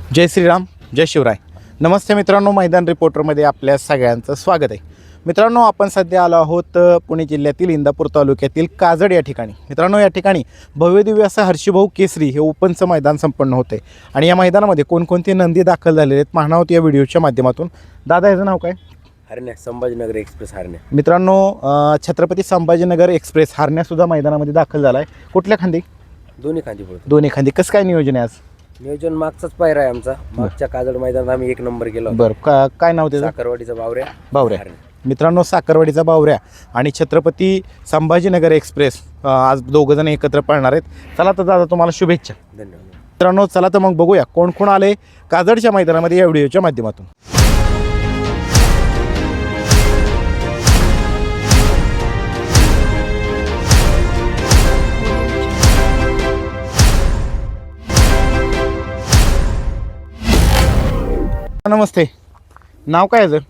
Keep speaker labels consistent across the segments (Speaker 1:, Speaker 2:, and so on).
Speaker 1: जय श्रीराम, जय शिवराय. नमस्ते मित्रांनो, मैदान रिपोर्टरमध्ये आपल्या सगळ्यांचं स्वागत आहे. मित्रांनो, आपण सध्या आलो आहोत पुणे जिल्ह्यातील इंदापूर तालुक्यातील काजड या ठिकाणी. मित्रांनो, या ठिकाणी भव्यदिव्य असं हर्षीभाऊ केसरी हे ओपनचं मैदान संपन्न होते आणि या मैदानामध्ये कोणकोणते नंदी दाखल झालेले आहेत पाहणार आहोत या व्हिडिओच्या माध्यमातून. दादा, याचं नाव काय?
Speaker 2: हरण्या, संभाजीनगर एक्सप्रेस हरण्या.
Speaker 1: मित्रांनो, छत्रपती संभाजीनगर एक्सप्रेस हरण्यासुद्धा मैदानामध्ये दाखल झाला आहे. कुठल्या खांदी?
Speaker 2: दोन्ही खांदी पडतो.
Speaker 1: दोन्ही खांदी. कसं काय नियोजन आहे आज?
Speaker 2: नियोजन मागचाच पायरा आहे आमचा. मागच्या काजड मैदानात आम्ही 1 नंबर केला.
Speaker 1: बरं, काय नाव त्याचं?
Speaker 2: साखरवाडीचा बावऱ्या.
Speaker 1: बावऱ्या. मित्रांनो, साखरवाडीचा बावऱ्या आणि छत्रपती संभाजीनगर एक्सप्रेस आज दोघंजण एकत्र पळणार आहेत. चला तर दादा, तुम्हाला शुभेच्छा.
Speaker 2: धन्यवाद
Speaker 1: मित्रांनो. चला तर मग बघूया कोण कोण आले काजडच्या मैदानामध्ये या व्हिडिओच्या माध्यमातून. नमस्ते. नाव काय याचं?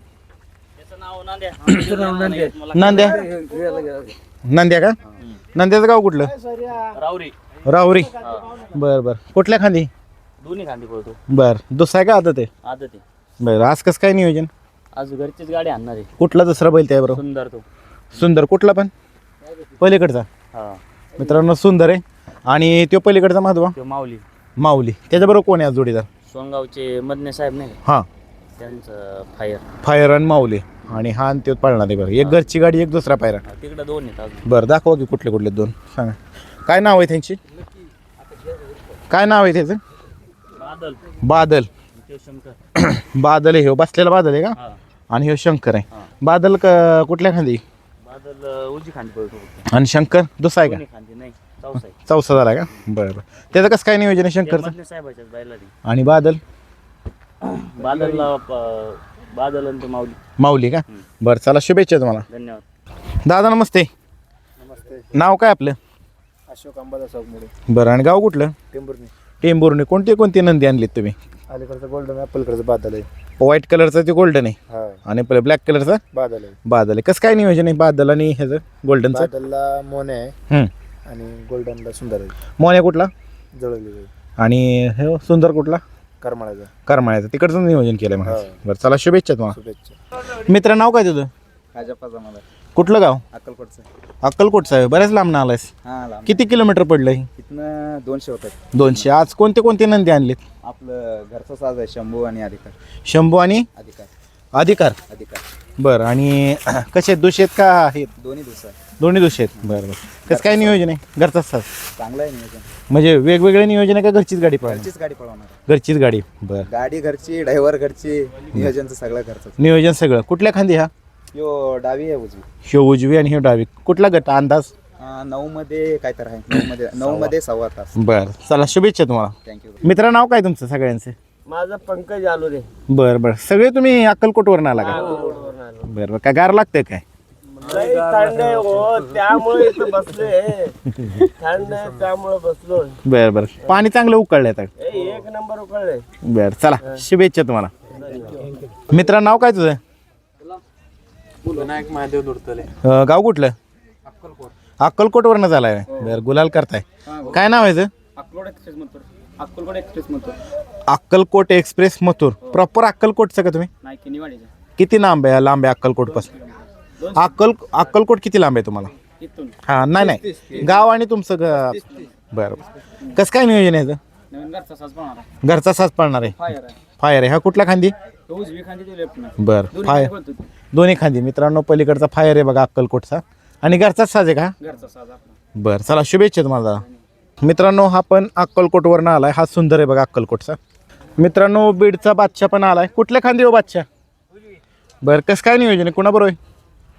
Speaker 1: नांद्या. नांद्या का? नांद्याचं गाव कुठलं? राहुरी. बरं बरं. कुठल्या खांदी?
Speaker 3: दोन्ही खांदी पळतो.
Speaker 1: बरं. दुसरा का आदत आहे?
Speaker 3: आदत आहे.
Speaker 1: बरं. आज कसं काय नियोजन?
Speaker 3: आज घरचीच गाडी आणणार आहे.
Speaker 1: कुठला दुसरा बैल त्या बरोबर?
Speaker 3: सुंदर तो.
Speaker 1: सुंदर. कुठला पण? पलीकडचा.
Speaker 3: हा,
Speaker 1: मित्रांनो, सुंदर आहे आणि तो पलीकडचा माधवा
Speaker 3: तो माऊली.
Speaker 1: माऊली. त्याच्याबरोबर कोण आहे आज जोडीदार?
Speaker 3: सोनगावचे मदने साहेब नाही का?
Speaker 1: हां,
Speaker 3: त्यांचं फायर.
Speaker 1: फायर आणि माऊली आणि हा आणि तो पळणार आहे. बरं. एक घरची गाडी, एक दुसरा पायरा.
Speaker 3: तिकडे दोन आहेत अजून.
Speaker 1: बरं, दाखवा की कुठले कुठले दोन सांगा. काय नाव आहे त्यांची? काय नाव आहे त्याचं?
Speaker 3: बादल.
Speaker 1: बादल.
Speaker 3: ते शंकर.
Speaker 1: बादल आहे. हो बसलेला बादल आहे का?
Speaker 3: हा.
Speaker 1: आणि हो शंकर आहे.
Speaker 3: हा.
Speaker 1: बादल कुठल्या खांदी?
Speaker 3: बादल उजी खांदी पळतो.
Speaker 1: आणि शंकर दुसरा आहे का?
Speaker 3: दोन्ही खांदी नाही, चौसा आहे.
Speaker 1: चौसा झाला का? बरं बरं. त्याचं कसं काय नियोजन आहे शंकरचं?
Speaker 3: मदने साहेबाच्याच बायला ती.
Speaker 1: आणि बादल?
Speaker 3: बादलला बादल आणि ते माऊली.
Speaker 1: माऊली का? बरं, चला शुभेच्छा तुम्हाला.
Speaker 3: धन्यवाद.
Speaker 1: दादा नमस्ते.
Speaker 2: नमस्ते.
Speaker 1: नाव काय आपलं?
Speaker 2: अशोक अंबादा सावमुळे,
Speaker 1: बरं. आणि गाव कुठलं?
Speaker 2: टेंभुर्णी.
Speaker 1: टेंभुर्णी. कोणते नंदी आणलीत तुम्ही?
Speaker 2: अलीकडचं गोल्डन आहे, पलीकडचं बादल आहे.
Speaker 1: व्हाईट कलरचं ते गोल्डन आहे
Speaker 2: हा,
Speaker 1: आणि ब्लॅक कलरचं
Speaker 2: बादल आहे.
Speaker 1: बादल आहे. कसं काय नियोजन आहे बादल आणि ह्याचं गोल्डनचं?
Speaker 2: बादलला मोने आहे
Speaker 1: हं.
Speaker 2: आणि गोल्डनला सुंदर आहे.
Speaker 1: मोन्या कुठला?
Speaker 2: जळवली आहे.
Speaker 1: आणि हे सुंदर कुठला?
Speaker 2: करमाळ्याचा.
Speaker 1: करमाळ्याचं. तिकडचं नियोजन केलं मग.
Speaker 2: हा.
Speaker 1: बरं, चला शुभेच्छा तुम्हाला.
Speaker 2: शुभेच्छा.
Speaker 1: मित्र, नाव काय तुझं?
Speaker 2: राजाप्पाचा मला
Speaker 1: कुठलं गाव?
Speaker 2: अक्कलकोटचं.
Speaker 1: अक्कलकोटचं आहे. बऱ्याच लांब आलायस.
Speaker 2: हा, लांब.
Speaker 1: किती किलोमीटर पडलंय?
Speaker 2: इथनं 200 होतात.
Speaker 1: 200. आज कोणते नंदी आणलेत?
Speaker 2: आपलं घरचा साज आहे, शंभू आणि अधिकार.
Speaker 1: शंभू आणि अधिकार.
Speaker 2: अधिकार
Speaker 1: बरं. आणि कसे आहेत? दुसरे आहेत का आहेत?
Speaker 2: दोन्ही दिवसात
Speaker 1: दोन्ही दुसरे आहेत. बरं बरं. कसं काय नियोजन आहे? घरचाच साज
Speaker 2: चांगलं आहे नियोजन.
Speaker 1: म्हणजे वेगवेगळे नियोजन आहे का घरचीच गाडी पळणार?
Speaker 2: घरचीच गाडी पळवणार.
Speaker 1: घरचीच गाडी. बरं.
Speaker 2: गाडी घरची, ड्रायव्हर घरची, नियोजनचं सगळं घरचं.
Speaker 1: नियोजन सगळं. कुठल्या खांदी हा?
Speaker 2: यो डावी आहे उजवी.
Speaker 1: ह्यो उजवी आणि ह्यो डावी. कुठला गट अंदाज?
Speaker 2: 9 मध्ये काय तर आहे. 9 मध्ये 1.25 तास.
Speaker 1: बरं, चला शुभेच्छा तुम्हाला.
Speaker 2: थँक्यू.
Speaker 1: मित्र, नाव काय तुमचं सगळ्यांचे?
Speaker 3: माझं पंकज आलो रे.
Speaker 1: बरं बरं. सगळे तुम्ही अक्कलकोटवरून आला का? बरं बरं. काय गार लागतंय काय?
Speaker 3: थंड आहे हो, त्यामुळे इथं बसले. थंड आहे त्यामुळे बसलो.
Speaker 1: बरं बरं. पाणी चांगलं उकळलंय आता.
Speaker 3: 1 नंबर उकळले.
Speaker 1: बरं, चला शुभेच्छा तुम्हाला. मित्र, नाव काय तुझं?
Speaker 2: विनायक महादेव दुर्तले.
Speaker 1: गाव कुठलं? अक्कलकोटवरनं झालाय. बरं, गुलाल करताय. काय नाव आहे?
Speaker 3: Akkalkot express Mathur. Akkalkot express Mathur.
Speaker 1: Akkalkot express Mathur. Proper अक्कलकोटचं का तुम्ही?
Speaker 3: नाही, किनीवाडीचं.
Speaker 1: किती लांब आहे अक्कलकोट पासून? अक्कलकोट किती लांब आहे तुम्हाला?
Speaker 3: इथून
Speaker 1: हां, नाही गाव आणि तुमचं बरं. कसं काय नियोजन आहे याचं?
Speaker 3: नवीन घरचा साज पाहणार आहे.
Speaker 1: घरचा साज पळणार आहे.
Speaker 3: फायर आहे.
Speaker 1: फायर आहे. हा कुठला खांदी?
Speaker 3: तो उजवी खांदी, तो लेफ्ट नाही.
Speaker 1: बरं. फायर दोन्ही खांदी. मित्रांनो, पलीकडचा फायर आहे बघा अक्कलकोटचा आणि घरचाच साज आहे का?
Speaker 3: घरचा साज आपला.
Speaker 1: बरं, चला शुभेच्छा तुम्हाला दादा. मित्रांनो, हा पण अक्कलकोटवरनं आलाय. हा सुंदर आहे बघा अक्कलकोटचा. मित्रांनो, बीडचा बादशाह पण आलाय. कुठल्या खांदी हो बादशाह? बरं, कसं काय नियोजन आहे? कुणाबरोबर आहे?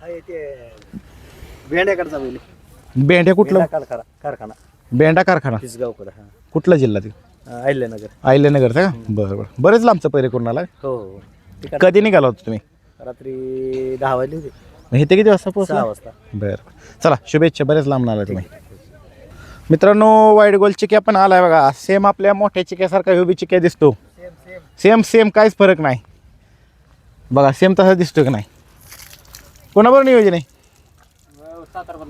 Speaker 2: भेंड्याकडचा बैल.
Speaker 1: बेंड्या. कुठलं?
Speaker 2: कारखाना.
Speaker 1: बेंडा कारखाना.
Speaker 2: तिसगावकडे.
Speaker 1: कुठला जिल्हा ते?
Speaker 2: अहिल्यानगर.
Speaker 1: अहिल्यानगरचा का? बरं बरं. बरेच लांबचं पैरे करून आलाय.
Speaker 2: हो.
Speaker 1: कधी निघाला होता तुम्ही?
Speaker 2: रात्री 10 वाजले होते.
Speaker 1: हे ते किती वाजता पोहोचला?
Speaker 2: 6 वाजता.
Speaker 1: बरं, चला शुभेच्छा. बरेच लांब आला तुम्ही. मित्रांनो, वाईट गोल चिक्या पण आलाय बघा. सेम आपल्या मोठ्या चिक्यासारखा ह्यो बी चिक्या दिसतो. सेम काहीच फरक नाही बघा. सेम तसा दिसतो की नाही? कोणाबरोबर नियोजन आहे?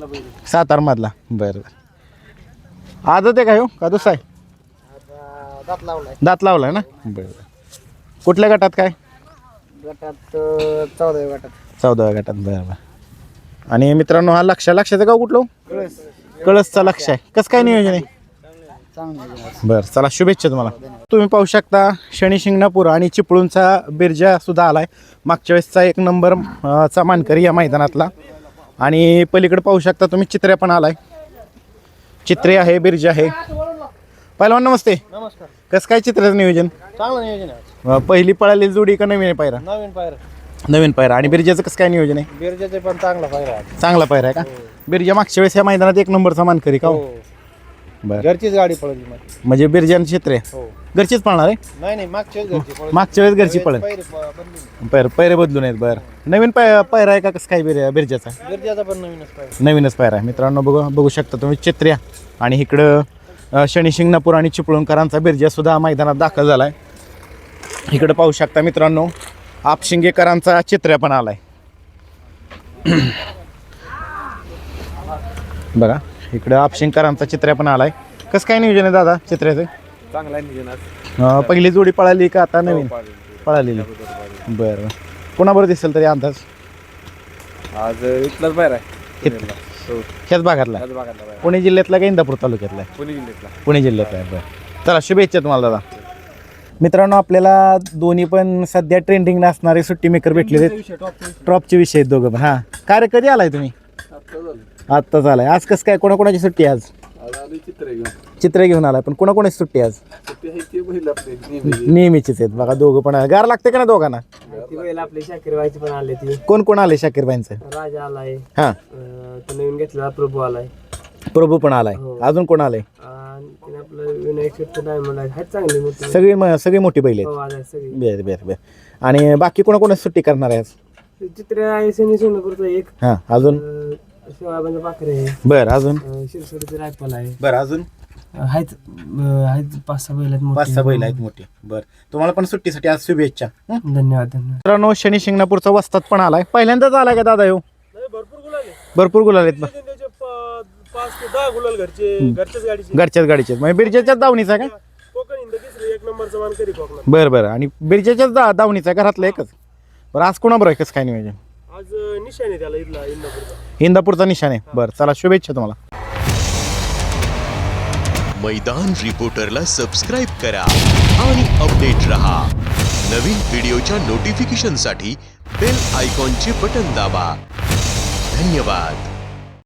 Speaker 1: सातारमधला. बरं. आजच आहे का ह्यो का दुसरा आहे? दात लावलाय ना बरं. कुठल्या गटात काय?
Speaker 2: गटात 14 गटात
Speaker 1: 14व्या गटात बरं बरं. आणि मित्रांनो हा लक्षाचं गाव कुठलं? कळसचा लक्ष आहे. कसं काय नियोजन आहे? बरं चला शुभेच्छा तुम्हाला. तुम्ही पाहू शकता शनी शिंगणापूर आणि चिपळूणचा बिरजा सुद्धा आलाय. मागच्या वेळेसचा 1 नंबर चा मानकरी या मैदानातला. आणि पलीकडे पाहू शकता तुम्ही चित्र्या पण आलाय. चित्रे आहे, बिरजा आहे. पहिलवान नमस्ते.
Speaker 3: नमस्कार.
Speaker 1: कसं काय चित्राचं नियोजन?
Speaker 3: चांगलं नियोजन आहे.
Speaker 1: पहिली पळालेली जोडी का नवीन आहे पायरा?
Speaker 3: नवीन पायरा.
Speaker 1: नवीन पायरा. आणि बिरजाचं कसं काय नियोजन आहे?
Speaker 3: बिरजाचे पण चांगला पायरा आहे.
Speaker 1: चांगला पायरा आहे का? बिरजा मागच्या वेळेस या मैदानात 1 नंबरचा मानकरी का? बरं.
Speaker 3: घरचीच गाडी पळवली मग.
Speaker 1: म्हणजे बिरजान चित्रे घरचीच पळणार आहे?
Speaker 3: नाही मागच्या घरची पळवली.
Speaker 1: मागच्या वेळेस घरची पळेल. पैरे बदलून आहेत. बरं नवीन पायरा आहे का कसं काय बिरजाचा?
Speaker 3: बिरजाचा पण नवीनच पायरा.
Speaker 1: नवीनच पायरा आहे. मित्रांनो बघू शकता तुम्ही चित्र्या आणि इकडं शनी शिंगणापूर आणि चिपळूणकरांचा बिरजा सुद्धा मैदानात दाखल झाला आहे. इकडं पाहू शकता मित्रांनो आपशिंगेकरांचा चित्र्या पण आलाय. बघा इकडं आपशिंगकरांचा चित्र्या पण आलाय. कसं काय नियोजन आहे दादा चित्र्याचं?
Speaker 3: चांगला नियोजन.
Speaker 1: पहिली जोडी पळाली का आता नवीन पळालेली? बरं कोणाबरोबर दिसेल तरी अंदाज?
Speaker 3: आज इथलाच पायरा आहे.
Speaker 1: ह्याच भागातला पुणे जिल्ह्यातला का इंदापूर तालुक्यातला? पुणे जिल्ह्यातला आहे. बरं चला शुभेच्छा तुम्हाला दादा. मित्रांनो आपल्याला दोन्ही पण सध्या ट्रेंडिंग असणारे सुट्टी मेकर भेटले टॉपचे विषय आहेत दोघं पण. हां काय रे कधी आलाय तुम्ही? आत्ताच आलाय. आज कसं काय कोणाकोणाची सुट्टी आज? चित्र घेऊन आलाय. पण कोणाकोणाची सुट्टी आज? नेहमीचीच आहेत बघा दोघं पण. गार लागते का ना दोघांना?
Speaker 2: आपले शाकीर व्हायचे पण आले ती.
Speaker 1: कोण आले शाकीरबाईंचं?
Speaker 2: राजा आलाय.
Speaker 1: हां
Speaker 2: तो नवीन घेतलेला प्रभू आलाय.
Speaker 1: प्रभू पण आलाय. अजून कोण आलाय?
Speaker 2: आणि आपलं विनायक शेट्टी डायमंड आहे. चांगली मोठी
Speaker 1: सगळी मोठी बैल आहेत.
Speaker 2: सगळी.
Speaker 1: बर आणि बाकी कोणाकोणाची सुट्टी करणार आहे आज?
Speaker 2: चित्र आहे शनी शिंगणापूरचा एक.
Speaker 1: हां अजून?
Speaker 2: शिवाबांचा पाखरे आहे.
Speaker 1: बरं अजून?
Speaker 2: शिरसोडीचे रायफल आहे.
Speaker 1: बरं अजून?
Speaker 2: आहेत 5-6 बैल आहेत.
Speaker 1: 5-6 बैल आहेत मोठी. बरं तुम्हाला पण सुट्टीसाठी आज शुभेच्छा.
Speaker 2: धन्यवाद.
Speaker 1: मित्रांनो शनी शिंगणापूरचा वस्ताद पण आलाय. पहिल्यांदाच आलाय का दादा? भरपूर गुलाल आहेत.
Speaker 3: 5-10 गुलाल
Speaker 1: घरच्याच गाडीचे म्हणजे बिरजाच्याच दावणीचा का?
Speaker 3: एक नंबरचा मानकरी कोकणात.
Speaker 1: बरं आणि बिरजाच्याच दावणीचा घरातलं एकच. बरं आज कोणाबरोबर आहे कसं काय नियोजन?
Speaker 3: आज निशाने त्याला इथला
Speaker 1: इंदापूरचा निशाण आहे. बरं चला शुभेच्छा तुम्हाला.
Speaker 4: मैदान रिपोर्टरला सबस्क्राइब करा आणि अपडेट रहा. नवीन व्हिडिओच्या नोटिफिकेशनसाठी बेल आयकॉनचे बटन दाबा. धन्यवाद.